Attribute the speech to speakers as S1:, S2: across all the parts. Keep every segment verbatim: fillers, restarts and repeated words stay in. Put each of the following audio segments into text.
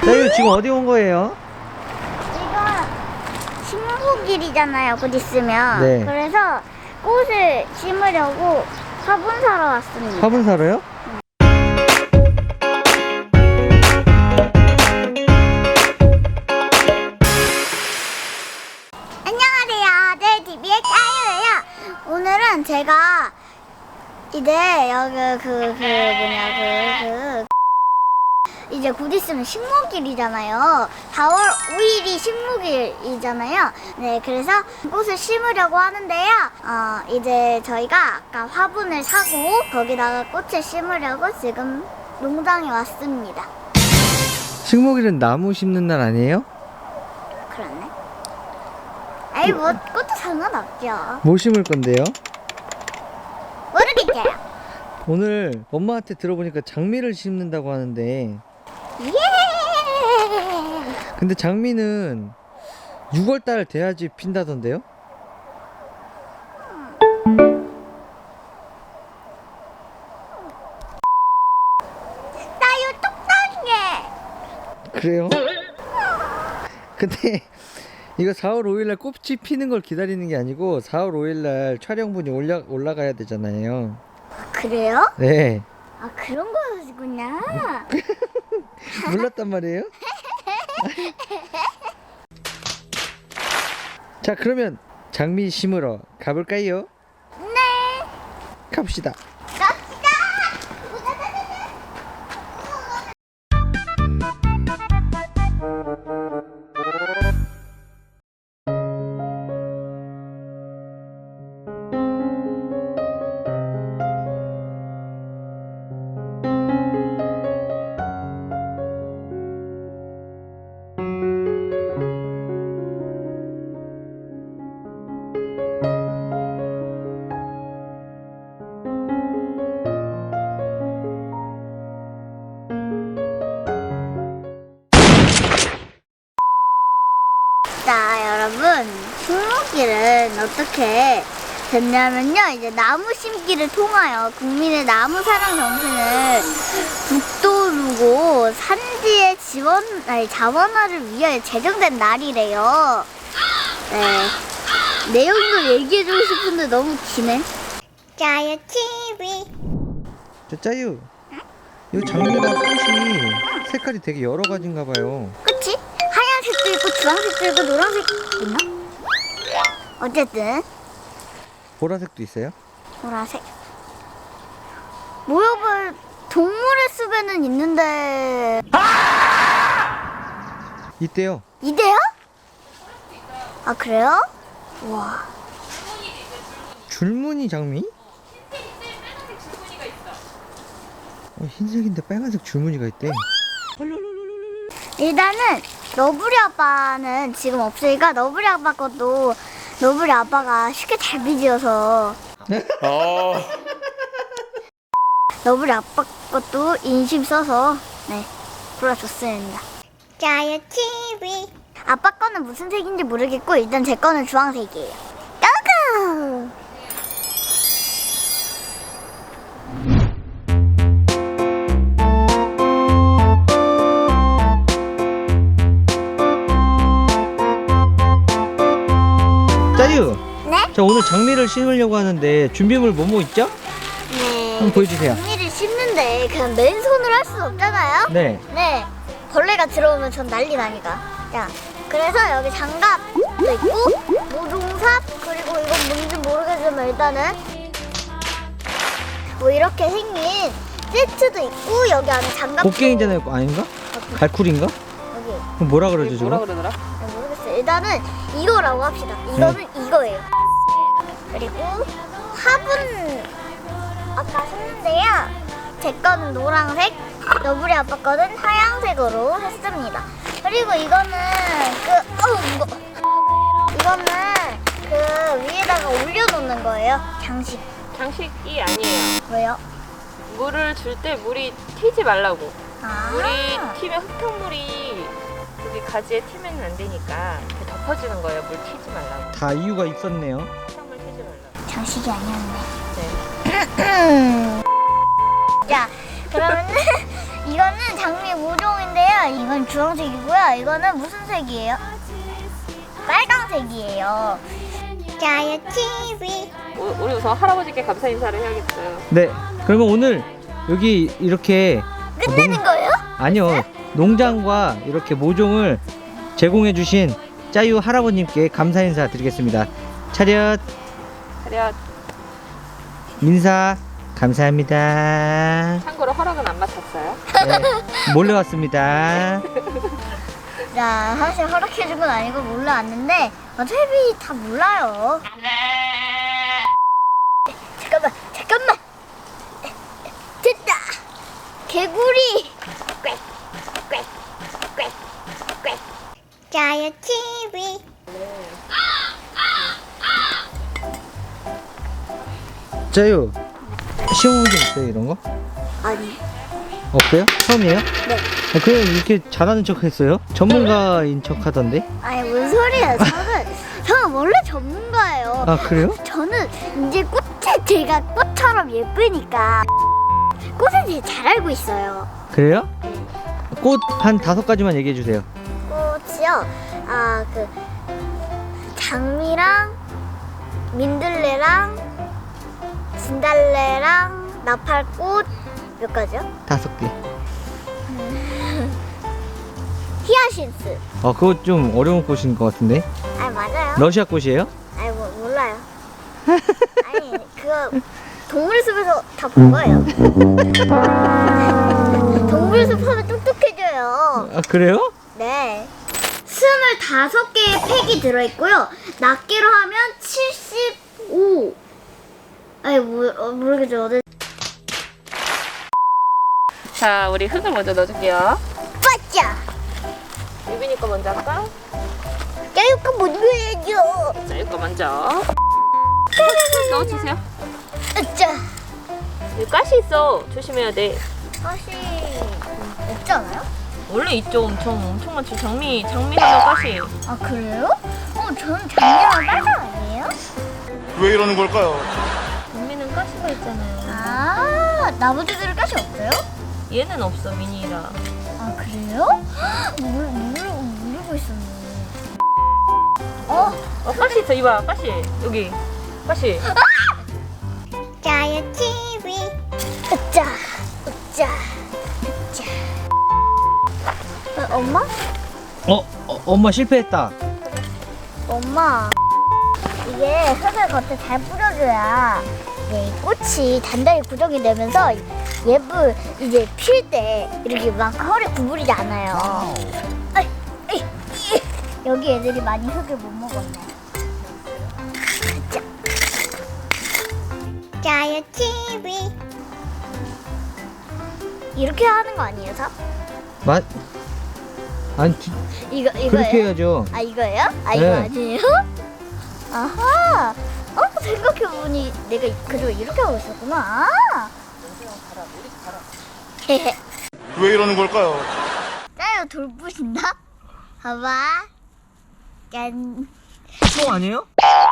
S1: 이거 지금 어디 온 거예요?
S2: 이거 식목일이잖아요, 곧 있으면.
S1: 네.
S2: 그래서 꽃을 심으려고 화분 사러 왔습니다.
S1: 화분 사러요?
S2: 안녕하세요, 네, 티비의 까유예요. 오늘은 제가 이제 여기 그, 그 뭐냐 그, 그 이제 곧 있으면 식목일이잖아요. 사월 오일이 식목일이잖아요. 네, 그래서 꽃을 심으려고 하는데요. 어, 이제 저희가 아까 화분을 사고 거기다가 꽃을 심으려고 지금 농장에 왔습니다.
S1: 식목일은 나무 심는 날 아니에요?
S2: 그렇네. 아이 뭐 꽃도 상관없죠.
S1: 뭐 심을 건데요?
S2: 모르겠어요.
S1: 오늘 엄마한테 들어보니까 장미를 심는다고 하는데,
S2: 예.
S1: 근데 장미는 유월달 돼야지 핀다던데요?
S2: 나요 똑딱해.
S1: 그래요? 근데 이거 사월 오일날 꽃이 피는 걸 기다리는 게 아니고 사월 오일날 촬영분이 올라, 올라가야 되잖아요.
S2: 그래요?
S1: 네.
S2: 아 그런 거였구나.
S1: 몰랐단 말이에요? 자, 그러면 장미 심으러 가볼까요?
S2: 네.
S1: 갑시다.
S2: 갑시다. 자, 여러분, 식목일은 어떻게 됐냐면요. 이제 나무 심기를 통하여 국민의 나무 사랑 정신을 북돋우고 산지의 지원, 아니, 자원화를 위하여 제정된 날이래요. 네. 내용도 얘기해주고 싶은데 너무 기네. 짜요 티비.
S1: 자, 짜유. 이 장미가 꽃이 색깔이 되게 여러 가지인가 봐요.
S2: 그치? 하얀색도 있고 주황색도 있고 노란색도 있나? 어쨌든
S1: 보라색도 있어요?
S2: 보라색. 모여볼 동물의 숲에는 있는데
S1: 있대요.
S2: 이대요? 아 그래요? 와.
S1: 줄무늬 장미? 어, 흰색인데 빨간색 줄무늬가 있대.
S2: 일단은 너구리 아빠는 지금 없으니까 너구리 아빠 것도 너구리 아빠가 쉽게 잘 빚어서
S3: 어.
S2: 너구리 아빠 것도 인심 써서 네 골라줬습니다. 짜요 티비. 아빠 거는 무슨 색인지 모르겠고 일단 제 거는 주황색이에요. 고고!
S1: 짜유.
S2: 네?
S1: 자, 오늘 장미를 심으려고 하는데 준비물 뭐뭐 있죠?
S2: 네.
S1: 한번 보여주세요.
S2: 장미를 심는데 그냥 맨손으로 할 수는 없잖아요.
S1: 네.
S2: 네. 벌레가 들어오면 전 난리 나니까. 자, 그래서 여기 장갑도 있고 모종삽 그리고 이건 뭔지 모르겠지만 일단은 뭐 이렇게 생긴 세트도 있고 여기 안에 장갑도
S1: 곡괭이잖아요. 아닌가? 갈쿨인가?
S2: 여기
S1: 그럼 뭐라 그러죠,
S3: 뭐라
S1: 저거?
S3: 그러더라?
S2: 아, 모르겠어요. 일단은 이거라고 합시다. 이거는 이거예요. 그리고 화분 아까 샀는데요. 제 거는 노란색, 너구리 아빠 거는 하얀색으로 했습니다. 그리고 이거는 그 어우 이거 이거는 그 위에다가 올려놓는 거예요. 장식.
S3: 장식이 아니에요.
S2: 왜요?
S3: 물을 줄 때 물이 튀지 말라고.
S2: 아.
S3: 물이 튀면 흙탕물이 여기 가지에 튀면 안 되니까 이렇게 덮어주는 거예요. 물 튀지 말라고.
S1: 다 이유가 있었네요.
S3: 흙탕물 튀지 말라고.
S2: 장식이 아니었네.
S3: 네.
S2: 자, 그러면은 이거는 장미 모종인데요. 이건 주황색이고요. 이거는 무슨 색이에요? 빨강색이에요. 자요 티비.
S3: 우- 우리 우선 할아버지께 감사 인사를 해야겠어요.
S1: 네. 그러면 오늘 여기 이렇게
S2: 끝내는
S1: 농-
S2: 거예요?
S1: 아니요. 농장과 이렇게 모종을 제공해 주신 짜유 할아버님께 감사 인사 드리겠습니다. 차렷
S3: 차렷.
S1: 민사 감사합니다.
S3: 참고로 허락은 안 맡았어요.
S1: 네, 몰래 왔습니다.
S2: 자, 사실 허락해준 건 아니고 몰라왔는데 어차피 다 몰라요. 잠깐만, 잠깐만. 됐다. 개구리. 꽥, 꽥, 꽥, 꽥. 자요 티비.
S1: 짜유 시험 문제 있어요 이런 거?
S2: 아니.
S1: 없어요? 처음이에요?
S2: 네.
S1: 아, 그냥 이렇게 잘하는 척 했어요? 전문가인 척 하던데?
S2: 아니 뭔 소리예요? 저는 저는 원래 전문가예요.
S1: 아 그래요?
S2: 저는 이제 꽃에 제가 꽃처럼 예쁘니까 꽃에 대해 잘 알고 있어요.
S1: 그래요? 꽃 한 다섯 가지만 얘기해 주세요.
S2: 꽃이요. 아 그 장미랑 민들레랑 진달래랑 나팔꽃 몇 가지요?
S1: 다섯 개.
S2: 히아신스.
S1: 어 그거 좀 어려운 꽃인 것 같은데?
S2: 아 맞아요.
S1: 러시아 꽃이에요?
S2: 아니 뭐 몰라요. 아니 그거 동물숲에서 다 본 거예요. 동물숲 하면 똑똑해져요.
S1: 아 그래요?
S2: 네. 스물다섯 개의 팩이 들어있고요. 낱개로 하면 칠십오. 아니 뭐, 어, 모르겠죠. 네.
S3: 자, 우리 흙을 먼저 넣어줄게요.
S2: 빠짜.
S3: 유빈이 거 먼저 할까?
S2: 야유가 못 넣어야죠.
S3: 자, 이거 먼저. 넣어주세요.
S2: 으짜.
S3: 여기 가시 있어. 조심해야 돼.
S2: 사실 없지 않아요?
S3: 원래 있죠. 엄청 엄청 많죠. 장미 장미 하면 가시.
S2: 아 그래요? 어 저는 장미랑 빨강 아니에요?
S4: 왜 이러는 걸까요?
S3: 장미는 가시가 있잖아요.
S2: 아 나머지들은 가시 없어요?
S3: 얘는 없어 미니라.
S2: 아 그래요? 모르, 모르고 모르고 있었네. 어?
S3: 어 가시 있어. 이봐 가시 여기 가시.
S2: 짜요 티비. 으짜 으짜 으짜. 어, 엄마?
S1: 어, 어 엄마 실패했다.
S2: 엄마 이게 흙을 겉에 잘 뿌려줘야 이제 이 꽃이 단단히 고정이 되면서 예쁘 이제 필 때 이렇게 막 허리 구부리지 않아요. 아이, 아이, 이. 여기 애들이 많이 흙을 못 먹었네. 자. 짜요 티비. 이렇게 하는 거 아니에요, 삽?
S1: 맞? 아니 지-
S2: 이거 이거예요?
S1: 그렇게 해야죠.
S2: 아 이거예요? 아 이거
S1: 네.
S2: 아니에요? 아하. 어 생각해보니 내가 그걸 이렇게 하고 있었구나. 아. 헤헤.
S4: 왜 이러는 걸까요?
S2: 짜요 돌부신다? 봐봐. 짠.
S1: 똥 아니에요?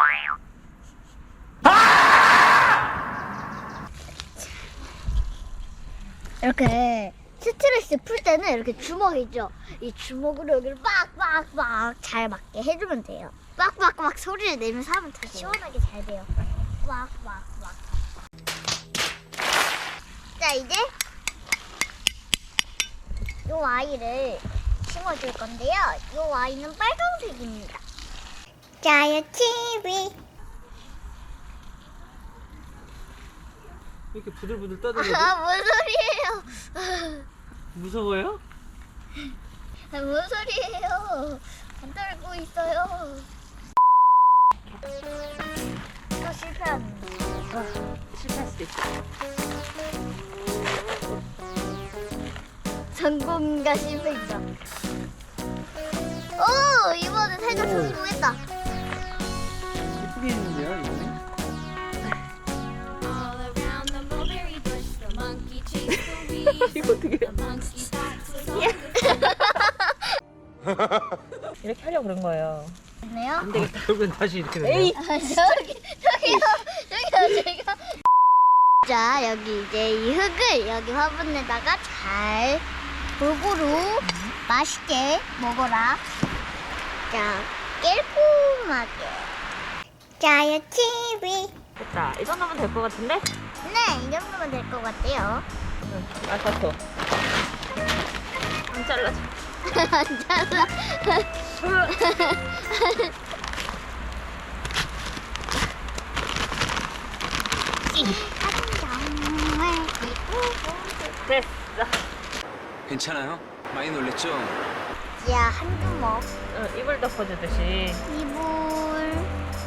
S2: 이렇게 스트레스 풀 때는 이렇게 주먹 있죠? 이 주먹으로 여기를 빡빡빡 잘 맞게 해주면 돼요. 빡빡빡 소리를 내면서 하면 더 시원하게 잘 돼요. 빡빡빡. 자 이제 요 아이를 심어줄 건데요. 요 아이는 빨간색입니다. 짜요 티비.
S1: 이렇게 부들부들 떠들고
S2: 아, 뭔 소리예요?
S1: 무서워요?
S2: 아, 뭔 소리예요? 안 떨고 있어요. 또 실패하는 거.
S3: 실패할 수도 있어.
S2: 성공과 실패입니다. 오, 이번엔 살짝 성공했다.
S1: 예쁘게 했는데요 이거는?
S3: 이거 어떻게? 이렇게 하려고 그런 거예요.
S2: 네요?
S1: 결국엔 다시 이렇게 되네요.
S3: 에이.
S2: 아, 저기, 저기요, 저기요, 저기요. 자, 여기 이제 이 흙을 여기 화분에다가 잘 골고루 맛있게 먹어라. 자, 깔끔하게. 짜요 티비.
S3: 됐다. 이 정도면 될 것 같은데?
S2: 네, 이 정도면 될 것 같아요.
S3: 응. 아, 좋다. 안 잘라져.
S2: 안 잘라.
S3: 됐어.
S5: 괜찮아요? 많이 놀랬죠?
S2: 야, 한 주먹.
S3: 응, 이불 덮어주듯이.
S2: 이불.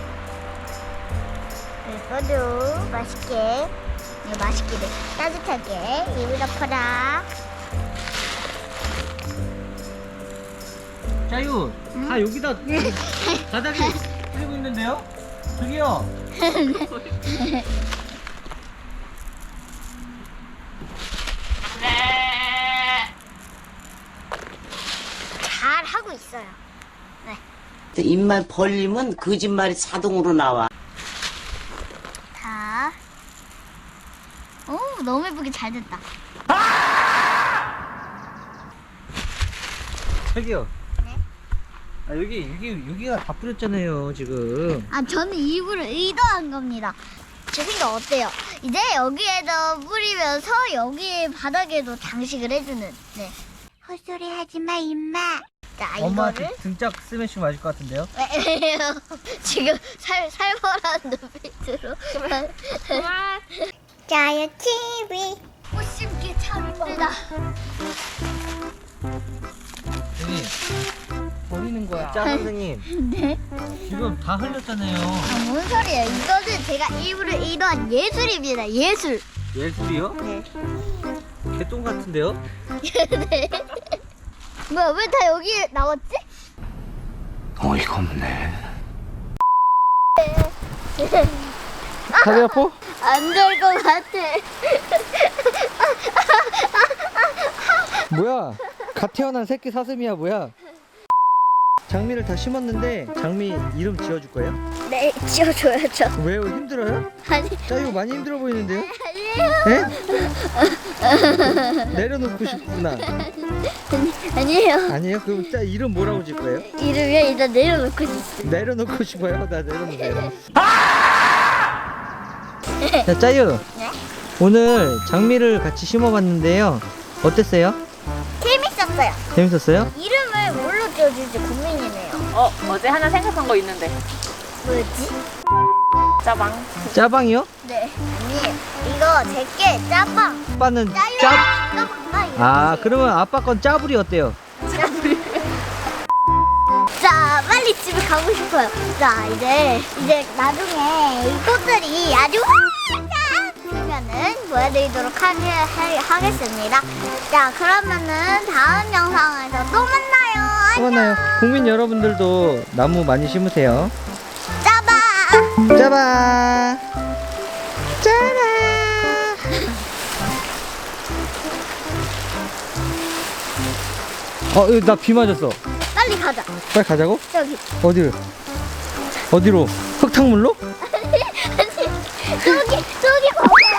S2: 그리고도 맛있게, 네, 맛있게, 네, 따뜻하게 이불 덮어라.
S1: 짜유, 다 여기다 바닥에 뿌리고 있는데요? 저기요.
S2: 잘 하고 있어요.
S6: 입만 벌리면 거짓말이 자동으로 나와.
S2: 자. 오, 너무 예쁘게 잘 됐다.
S1: 저기요.
S2: 네?
S1: 아 여기 여기 여기가 다 뿌렸잖아요 지금.
S2: 아, 저는 이불을 의도한 겁니다. 제 생각 어때요? 이제 여기에다 뿌리면서 여기 바닥에도 장식을 해주는. 네. 헛소리 하지 마, 임마. 자,
S1: 엄마한테
S2: 이거를.
S1: 등짝 스매싱 맞을 것 같은데요?
S2: 왜요? 지금 살, 살벌한 눈빛으로.
S3: 그만.
S2: 짜요 티비. 꽃 심기 차를 뜨다.
S1: 여기 버리는 거야. 짜 선생님.
S2: 네?
S1: 지금 다 흘렸잖아요.
S2: 아, 뭔 소리예요? 이거는 제가 일부러 의도한 예술입니다. 예술.
S1: 예술이요?
S2: 네.
S1: 개똥 같은데요?
S2: 네. 뭐야, 왜 다 여기 나왔지?
S5: 어이가 없네.
S1: 다리 아파?
S2: 안 될 것 같아.
S1: 뭐야? 갓 태어난 새끼 사슴이야 뭐야? 장미를 다 심었는데 장미 이름 지어줄 거예요?
S2: 네, 지어줘야죠.
S1: 왜요? 힘들어요?
S2: 아니,
S1: 짜유 많이 힘들어 보이는데요?
S2: 아니에요.
S1: 네? 내려놓고 싶구나.
S2: 아니, 아니에요.
S1: 아니에요? 그럼 짜 이름 뭐라고 질 거예요?
S2: 이름이야 일단 내려놓고 싶어요.
S1: 내려놓고 싶어요? 나 내려놓으세요. 자, 짜유.
S2: 네?
S1: 오늘 장미를 같이 심어봤는데요. 어땠어요?
S2: 재밌었어요.
S1: 재밌었어요?
S2: 이름을 뭘로 지어줄지 고민이네요.
S3: 어, 어제 하나 생각한 거 있는데.
S2: 뭐였지?
S3: 짜방.
S1: 짜방이요?
S2: 네. 아니, 이거 제게 짜빵.
S1: 아빠는
S2: 짜유.
S1: 짜.
S2: 짜빵. 이렇게.
S1: 아, 그러면 아빠 건 짜불이 어때요?
S2: 자, 빨리 집에 가고 싶어요. 자, 이제 이제 나중에 이 꽃들이 아주 활짝 피면은 보여드리도록 하, 하, 하겠습니다. 자, 그러면은 다음 영상에서 또 만나요.
S1: 또 만나요. 국민 여러분들도 나무 많이 심으세요.
S2: 짜바.
S1: 짜바. 짜라. 어, 나 비 맞았어.
S2: 빨리 가자.
S1: 빨리 가자고?
S2: 저기.
S1: 어디를? 어디로? 흙탕물로?
S2: 아니, 아니, 저기, 저기 봐봐.